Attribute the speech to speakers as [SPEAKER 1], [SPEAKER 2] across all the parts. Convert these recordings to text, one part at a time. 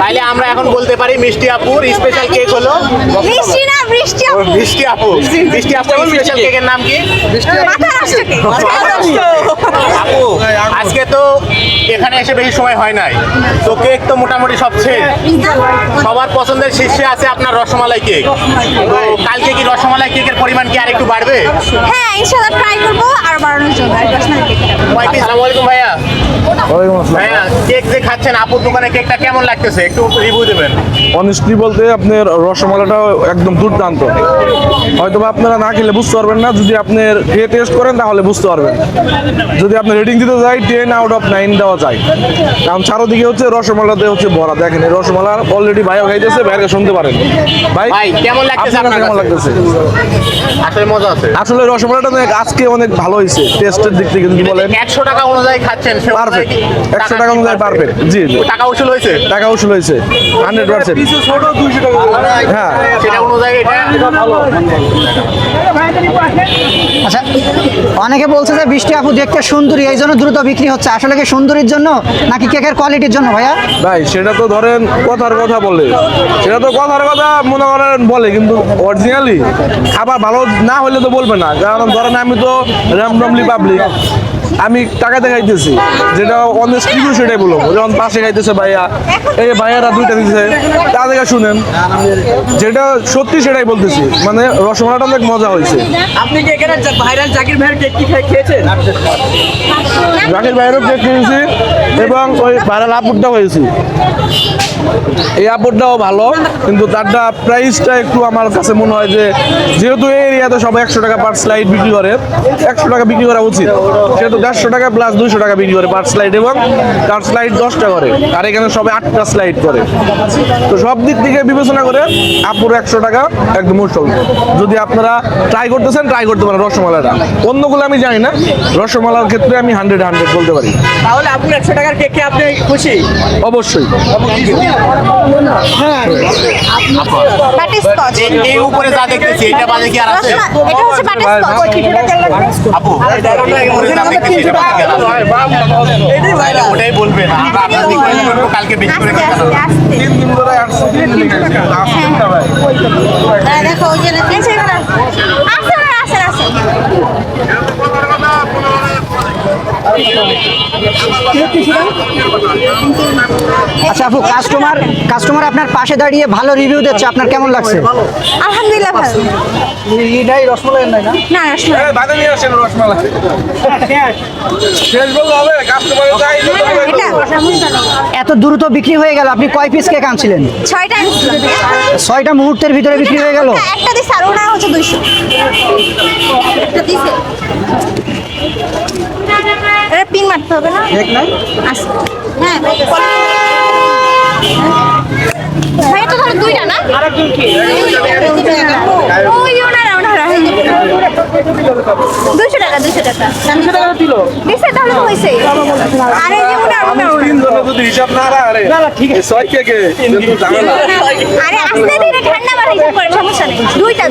[SPEAKER 1] তাইলে আমরা এখন বলতে পারি মিষ্টি আপুর স্পেশাল কেক হলো
[SPEAKER 2] মিষ্টি না বৃষ্টি আপু।
[SPEAKER 1] মিষ্টি আপু। মিষ্টি আপুর স্পেশাল কেকের নাম কি?
[SPEAKER 2] মাথা নষ্ট কেক।
[SPEAKER 1] আপু আজকে তো এখানে এসে বেশি সময় হয় নাই, তো কেক তো মোটামুটি সব শেষ। সবার পছন্দের শীর্ষে আছে আপনার রসমালাই কেক। তো কালকে কি রসমালাই কেকের পরিমাণ কি আর একটু বাড়বে?
[SPEAKER 2] হ্যাঁ ইনশাআল্লাহ ট্রাই করবো আর বাড়ানোর জন্য আর রসমালাই কেকটা।
[SPEAKER 1] আসসালামু আলাইকুম ভাইয়া।
[SPEAKER 3] ওয়ালাইকুম আসসালাম।
[SPEAKER 1] ভাইয়া কেক যে খাচ্ছেন আপুর দোকানে কেকটা কেমন লাগতেছে একটু রিভিউ দেবেন।
[SPEAKER 3] অনেস্টলি বলতে আপনার রসমালাইটা একদম দুর্দান্ত। হয়তো বা আপনারা না খেলে বুঝতে পারবেন না, যদি আপনার খেয়ে টেস্ট করেন তাহলে বুঝতে পারবেন। যদি আপনি রেটিং দিতে যাই 10 আউট অফ 9 দেওয়া যায়, কারণ চারোদিকে হচ্ছে রসমালাতে হচ্ছে ভরা। দেখেন এই রসমালা অলরেডি ভাইও খাইতেছে, ভাইকে শুনতে পারেন। ভাই
[SPEAKER 1] কেমন লাগতেছে
[SPEAKER 3] আপনার কেমন লাগতেছে?
[SPEAKER 1] আসলে মজা আছে।
[SPEAKER 3] আসলে রসমালাইটা আজকে অনেক ভালো হয়েছে টেস্টের দিক থেকে যদি বলেন।
[SPEAKER 1] 100 টাকা অনুযায়ী খাচ্ছেন সে
[SPEAKER 3] পারফেক্ট, 100 টাকা অনুযায়ী পারফেক্ট। জি জি,
[SPEAKER 1] টাকা উসুল হয়েছে।
[SPEAKER 3] টাকা উসুল হয়েছে 100%। হ্যাঁ
[SPEAKER 1] সেটা অনুযায়ী এটা
[SPEAKER 4] আচ্ছা, অনেকে বলছে যে বৃষ্টি আপু দেখতে সুন্দরী, এই জন্য দ্রুত বিক্রি হচ্ছে। আসলে কি সুন্দরীর জন্য নাকি কেকের কোয়ালিটির জন্য ভাইয়া?
[SPEAKER 3] ভাই সেটা তো ধরেন কথার কথা বলে, সেটা তো কথার কথা মনে করেন বলে, কিন্তু অরিজিনালি খাবার ভালো না হলে তো বলবে না। কারণ ধরেন আমি তো র্যান্ডমলি পাবলিক, আমি টাকাতে খাইতেছি, যেটা অনেস্ট রিভিউ সেটাই বলবো। যখন পাশে খাইতেছে ভাইয়া, এই ভাইয়ারা দুইটা দিচ্ছে, তা থেকে শুনেন যেটা সত্যি সেটাই বলতেছি। মানে রসমালাইটা অনেক মজা হয়েছে।
[SPEAKER 5] আপনি কি এখানে ভাইরাল জাকির ভাইয়ের কেক কি খেয়েছেন?
[SPEAKER 3] জাকির ভাইয়েরও কেক খেয়েছি এবং ওই ভাইরাল আপুরটাও হয়েছি। এই আপুরটাও ভালো, কিন্তু তারটা প্রাইসটা একটু আমার কাছে মনে হয় যে যেহেতু এই এরিয়াতে সব 100 টাকা পার স্লাইড বিক্রি করে, 100 টাকা বিক্রি করা উচিত। সেহেতু 150 টাকা প্লাস 200 টাকা বিক্রি করে পার স্লাইড, এবং তার স্লাইড 10টা করে, আর এখানে সবে 8টা স্লাইড করে। তো সব দিক থেকে বিবেচনা করে আপুর 100 টাকা একদম মুশকিল। যদি আপনারা ট্রাই করতেছেন, ট্রাই করতে পারেন রসমালাইটা। অন্যগুলো আমি জানি না, রসমালার ক্ষেত্রে আমি 100 বলতে পারি।
[SPEAKER 5] তাহলে আপনি 100 টাকার কেকে আপনি খুশি?
[SPEAKER 3] অবশ্যই।
[SPEAKER 2] বাটারস্কচ।
[SPEAKER 1] এই উপরে যা দেখতেছি এটা বাজে কি আর আছে?
[SPEAKER 2] এটা হচ্ছে বাটারস্কচ।
[SPEAKER 1] আপু উপরে যা দেখতেছি এটা বাজে কি আর আছে?
[SPEAKER 5] এটাই ভাইরাল।
[SPEAKER 1] ওটাই বলবেন, আমরা আপনার দিক থেকে বলবো, কালকে বেশি করে
[SPEAKER 2] আস্তে
[SPEAKER 1] খাবেন।
[SPEAKER 2] আস্তে আস্তে।
[SPEAKER 3] 3 দিন ধরে আসছে, 3 দিন লিখেছে। আসছেন না ভাই?
[SPEAKER 2] দেখো ওই যে আছে।
[SPEAKER 4] আচ্ছা আপু, কাস্টমার আপনার পাশে দাঁড়িয়ে ভালো রিভিউ দিচ্ছে, আপনার কেমন লাগছে?
[SPEAKER 2] আলহামদুলিল্লাহ ভালো।
[SPEAKER 4] এটাই রসমালাই নাই না?
[SPEAKER 2] না রসমালাই।
[SPEAKER 3] এই বাদে নিয়ে আসেন রসমালাই। শেষ বলতে হবে, কাস্টমারের চাই।
[SPEAKER 2] এটা সমস্যা নেই।
[SPEAKER 4] এত দ্রুত বিক্রি হয়ে গেল, আপনি কয় পিস কেক আনছিলেন?
[SPEAKER 2] 6টা আনছিলাম।
[SPEAKER 4] 6টা মুহূর্তের ভিতরে বিক্রি হয়ে গেল।
[SPEAKER 2] একটা দিছে আর ওটা হচ্ছে 200। একটা দিছে। এটা পিন মারতে হবে না?
[SPEAKER 4] কেক নাই?
[SPEAKER 2] আচ্ছা। হ্যাঁ। ভাই এটা ধরো 2টা না?
[SPEAKER 5] আরেকজন কি?
[SPEAKER 2] ওই ওনারা 200 টাকা 200 টাকা।
[SPEAKER 5] 200 টাকা দিল।
[SPEAKER 2] দিছে তাহলে তো হইছে। আরে যে ওনারা
[SPEAKER 3] তিন জনে যদি হিসাব না আরে
[SPEAKER 5] না না ঠিক আছে।
[SPEAKER 3] ছয় কে কিন্তু ঝামেলা।
[SPEAKER 2] আরে আস্তে ধীরে ঠান্ডা মাথায় হিসাব করে সমস্যা নেই। 2টা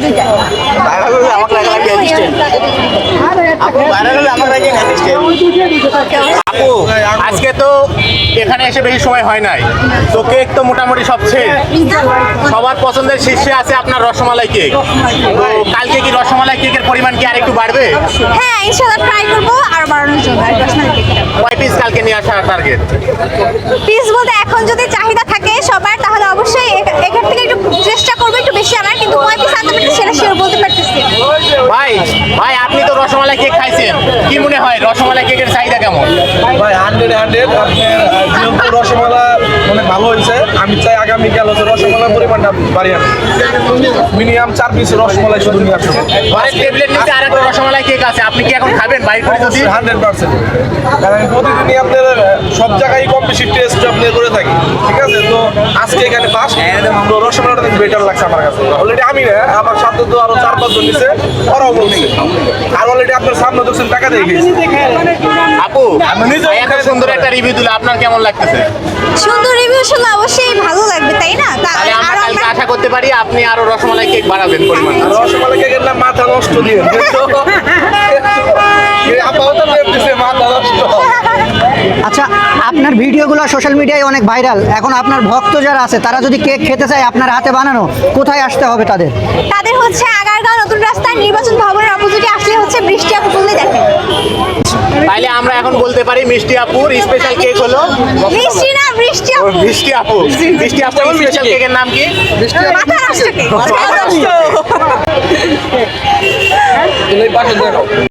[SPEAKER 1] আপু আজকে তো এখানে এসে বেশি সময় হয় নাই, তো কেক তো মোটামুটি সব শেষ। সবার পছন্দের শীর্ষে আছে আপনার রসমালাই কেক। তো কালকে কি রসমালাই কেকের পরিমাণ কি আর একটু বাড়বে?
[SPEAKER 2] হ্যাঁ ইনশাআল্লাহ ট্রাই করবো আর বাড়ানোর জন্য আর রসমালাই কেকটা।
[SPEAKER 1] কয় পিস কালকে নিয়ে আসার টার্গেট?
[SPEAKER 2] পিস বলতে এখন যদি চাহিদা থাকে সবার তাহলে অবশ্যই এখান থেকে একটু চেষ্টা করবো একটু বেশি আনার, কিন্তু কয় পিস আনতে পারছি সেটা শিওর বলতে পারতেছি না।
[SPEAKER 1] ভাই আপনি তো রসমালাই কেক খাইছেন, কি মনে হয় রসমালাই কেকের চাহিদা কেমন?
[SPEAKER 3] ভাই 100 আপনার যেহেতু রসমালাই অনেক ভালো হয়েছে, আমি চাই আগামীকাল হচ্ছে রসমালাই পরিমাণটা বাড়িয়ে মিনিমাম 4 পিস রসমালাই শুধু নিয়ে আসবো।
[SPEAKER 1] ঘরের টেবিলের নিচে আরেকটা রসমালাই কেক আছে, আপনি কি এখন খাবেন বাইরে করে? যদি
[SPEAKER 3] 100%, কারণ আমি প্রতিদিনই আপনার সব জায়গায় কম বেশি টেস্ট আপনি করে থাকি, ঠিক আছে? তো আজকে এখানে ফার্স্ট তো রসমালাইটা বেটার লাগছে আমার কাছে। অলরেডি আমি না, আমার সাথে তো আরো 4-5 জন নিছে, ওরাও বলছে। আর অলরেডি আপনার সামনে দেখছেন টাকা দিয়ে গেছে।
[SPEAKER 1] আপু এত সুন্দর একটা রিভিউ দিলে আপনার কেমন লাগতেছে?
[SPEAKER 2] সুন্দর রিভিউ শুনলে অবশ্যই ভালো লাগবে তাই না?
[SPEAKER 1] তাহলে আমরা
[SPEAKER 2] আরো
[SPEAKER 1] কালকে আশা করতে পারি আপনি আরো রসমালাই কেক বাড়াবেন পরিমাণ।
[SPEAKER 3] আর রসমালাই কেকের নাম মাথা নষ্ট দিয়ে আপাতত মাথা নষ্ট।
[SPEAKER 4] আচ্ছা, আপনার ভিডিওগুলো সোশ্যাল মিডিয়ায় অনেক ভাইরাল। এখন আপনার ভক্ত যারা আছে তারা যদি কেক খেতে চায় আপনার হাতে বানানো, কোথায় আসতে হবে তাদের?
[SPEAKER 2] তাদের হচ্ছে আগারগাঁও নতুন রাস্তায় নির্বাচন ভবনের অপোজিটে আসলে হচ্ছে বৃষ্টি আপু বললেই দেখেন।
[SPEAKER 1] তাইলে আমরা এখন বলতে পারি মিষ্টি আপুর স্পেশাল কেক হলো
[SPEAKER 2] বৃষ্টি না, বৃষ্টি আপু।
[SPEAKER 1] মিষ্টি আপু স্পেশাল কেকের নাম কি?
[SPEAKER 2] মাথা নষ্ট কেক।
[SPEAKER 5] এই পাশে দেখো